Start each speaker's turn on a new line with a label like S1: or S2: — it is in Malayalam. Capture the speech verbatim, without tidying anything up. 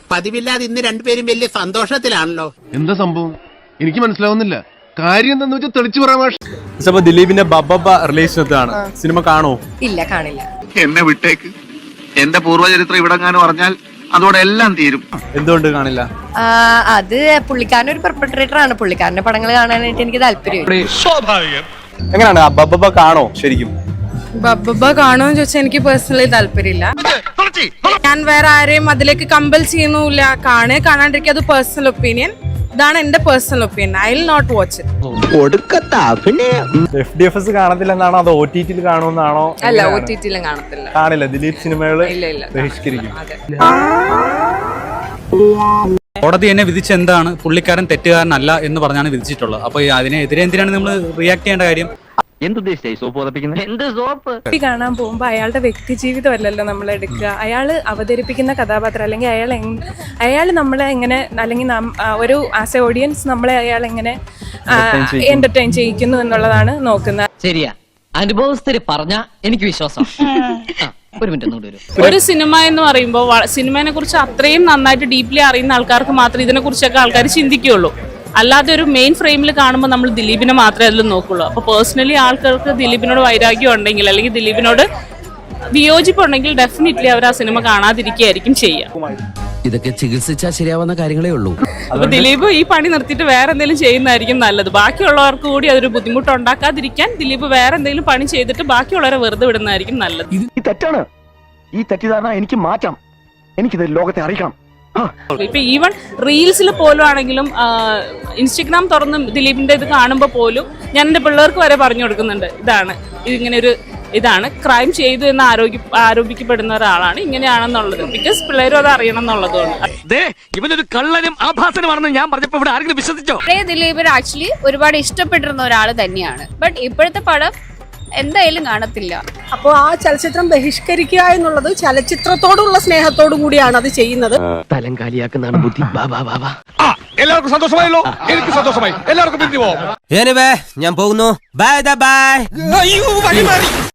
S1: പതിവില്ലാതെ ഇന്ന് രണ്ടുപേരും വലിയ സന്തോഷത്തിലാണല്ലോ.
S2: എന്താ സംഭവം എനിക്ക് മനസ്സിലാവുന്നില്ല. കാര്യം എന്താന്ന് വെച്ചാൽ തെളിച്ചു പറയാൻ.
S3: ദിലീപിന്റെ ബബ്ബ റിലേഷനാണ്. സിനിമ കാണോ?
S4: ഇല്ല, കാണില്ല.
S5: എന്നെ വിട്ടേക്ക്. എന്റെ പൂർവ്വചരിത്രം ഇവിടെ കാണു പറഞ്ഞാൽ അതോടെ എല്ലാം തീരും.
S3: എന്തുകൊണ്ട് കാണില്ല?
S4: അത് പുള്ളിക്കാരൻ ഒരു പെർപെട്രേറ്റർ ആണ്. പുള്ളിക്കാരന്റെ പടങ്ങൾ കാണാനായിട്ട് എനിക്ക് താല്പര്യം.
S3: സ്വാഭാവികം. എങ്ങനെയാണ് ബബ്ബ കാണോ? ശരിക്കും
S6: ബബ്ബ കാണോന്ന് ചോദിച്ചാൽ എനിക്ക് പേഴ്സണലി താല്പര്യമില്ല. ഞാൻ വേറെ ആരെയും അതിലേക്ക് കമ്പൽ ചെയ്യുന്നില്ല. കാണേ കാണാണ്ടിരിക്കുക, അത് പേഴ്സണൽ ഒപ്പീനിയൻ. ഇതാണ് എന്റെ personal opinion. I will not watch it.
S3: F D F S കാണത്തില്ലെന്നാണോ അതോ ഒ ടി ടിയിൽ കാണുമെന്നാണോ?
S6: അല്ല, ഒ ടി ടിയിലും കാണത്തില്ല.
S3: കാണില്ല. ദിലീപ് സിനിമകള് ബഹിഷ്കരിക്കും.
S7: കോടതി എന്നെ വിധിച്ച എന്താണ്, പുള്ളിക്കാരൻ തെറ്റുകാരനല്ല എന്ന് പറഞ്ഞാണ് വിധിച്ചിട്ടുള്ളത്. അപ്പൊ അതിനെതിരെ എന്തിനാണ് നമ്മൾ റിയാക്ട് ചെയ്യേണ്ട കാര്യം?
S6: കാണാൻ പോകുമ്പോ അയാളുടെ വ്യക്തി ജീവിതമല്ലല്ലോ നമ്മൾ എടുക്കുക. അയാള് അവതരിപ്പിക്കുന്ന കഥാപാത്രം അല്ലെങ്കിൽ അയാൾ അയാൾ നമ്മളെ എങ്ങനെ, അല്ലെങ്കിൽ ഒരു ആസ് എ ഓഡിയൻസ് നമ്മളെ അയാൾ എങ്ങനെ എന്റർടൈൻ ചെയ്യിക്കുന്നു എന്നുള്ളതാണ് നോക്കുന്നത്.
S8: ശരിയാ, അനുഭവസ്ഥര് പറഞ്ഞ എനിക്ക് വിശ്വാസം. ഒരു മിനിറ്റ്.
S9: ഒരു സിനിമ എന്ന് പറയുമ്പോൾ സിനിമയെ കുറിച്ച് അത്രയും നന്നായിട്ട് ഡീപ്ലി അറിയുന്ന ആൾക്കാർക്ക് മാത്രമേ ഇതിനെ കുറിച്ചൊക്കെ ആൾക്കാർ ചിന്തിക്കുകയുള്ളൂ. അല്ലാതെ ഒരു മെയിൻ ഫ്രെയിമിൽ കാണുമ്പോൾ നമ്മൾ ദിലീപിനെ മാത്രമേ അതിൽ നോക്കുള്ളൂ. അപ്പോൾ പേഴ്സണലി ആൾക്കാർക്ക് ദിലീപിനോട് വൈരാഗ്യം ഉണ്ടെങ്കിൽ അല്ലെങ്കിൽ ദിലീപിനോട് വിയോജിപ്പുണ്ടെങ്കിൽ ഡെഫിനറ്റ്ലി അവർ ആ സിനിമ കാണാതിരിക്കുകയായിരിക്കും ചെയ്യുക.
S10: ഇതൊക്കെ ചികിത്സിച്ചാൽ ശരിയാവുന്ന കാര്യങ്ങളേ ഉള്ളൂ.
S9: അപ്പൊ ദിലീപ് ഈ പണി നിർത്തിയിട്ട് വേറെ എന്തെങ്കിലും ചെയ്യുന്നതായിരിക്കും നല്ലത്. ബാക്കിയുള്ളവർക്ക് കൂടി അതൊരു ബുദ്ധിമുട്ട് ഉണ്ടാക്കാതിരിക്കാൻ ദിലീപ് വേറെ എന്തെങ്കിലും പണി ചെയ്തിട്ട് ബാക്കിയുള്ളവരെ വെറുതെ വിടുന്നതായിരിക്കും നല്ലത്.
S5: ഈ തെറ്റാണ്. ഈ തെറ്റിദ്ധാരണ എനിക്ക് മാറ്റാം. എനിക്കിത് ലോകത്തെ അറിയിക്കണം.
S9: ഇപ്പൊ ഈവൻ റീൽസിൽ പോലും ആണെങ്കിലും ഇൻസ്റ്റഗ്രാം തുറന്ന് ദിലീപിന്റെ ഇത് കാണുമ്പോൾ പോലും ഞാൻ എന്റെ പിള്ളേർക്ക് വരെ പറഞ്ഞു കൊടുക്കുന്നുണ്ട്, ഇതാണ് ഇതിങ്ങനെ ഒരു ഇതാണ് ക്രൈം ചെയ്തു എന്ന് ആരോഗ്യ ആരോപിക്കപ്പെടുന്ന ഒരാളാണ്, ഇങ്ങനെയാണെന്നുള്ളത്. ബിക്കോസ് പിള്ളേരും അത് അറിയണം എന്നുള്ളതുകൊണ്ട്.
S8: ഇവനൊരു കള്ളനും ആഭാസനുമാണെന്ന് ഞാൻ പറഞ്ഞപ്പോ ഇവിടെ ആരെങ്കിലും വിശ്വസിച്ചോ?
S4: ദിലീപ് ആക്ച്വലി ഒരുപാട് ഇഷ്ടപ്പെട്ടിരുന്ന ഒരാൾ തന്നെയാണ്. ബട്ട് ഇപ്പോഴത്തെ പടം എന്തായാലും കാണത്തില്ല.
S6: അപ്പോൾ ആ ചലച്ചിത്രം ബഹിഷ്കരിക്കുക എന്നുള്ളത് ചലച്ചിത്രത്തോടുള്ള സ്നേഹത്തോടു കൂടിയാണ് അത് ചെയ്യുന്നത്.
S8: തലം കാലിയാക്കുന്നതാണ് ബുദ്ധി.
S2: എല്ലാവർക്കും സന്തോഷമായല്ലോ. എനിക്ക് സന്തോഷമായി. എല്ലാവർക്കും പിരിഞ്ഞു പോവാം.
S10: ഞാൻ പോകുന്നു. Bye by.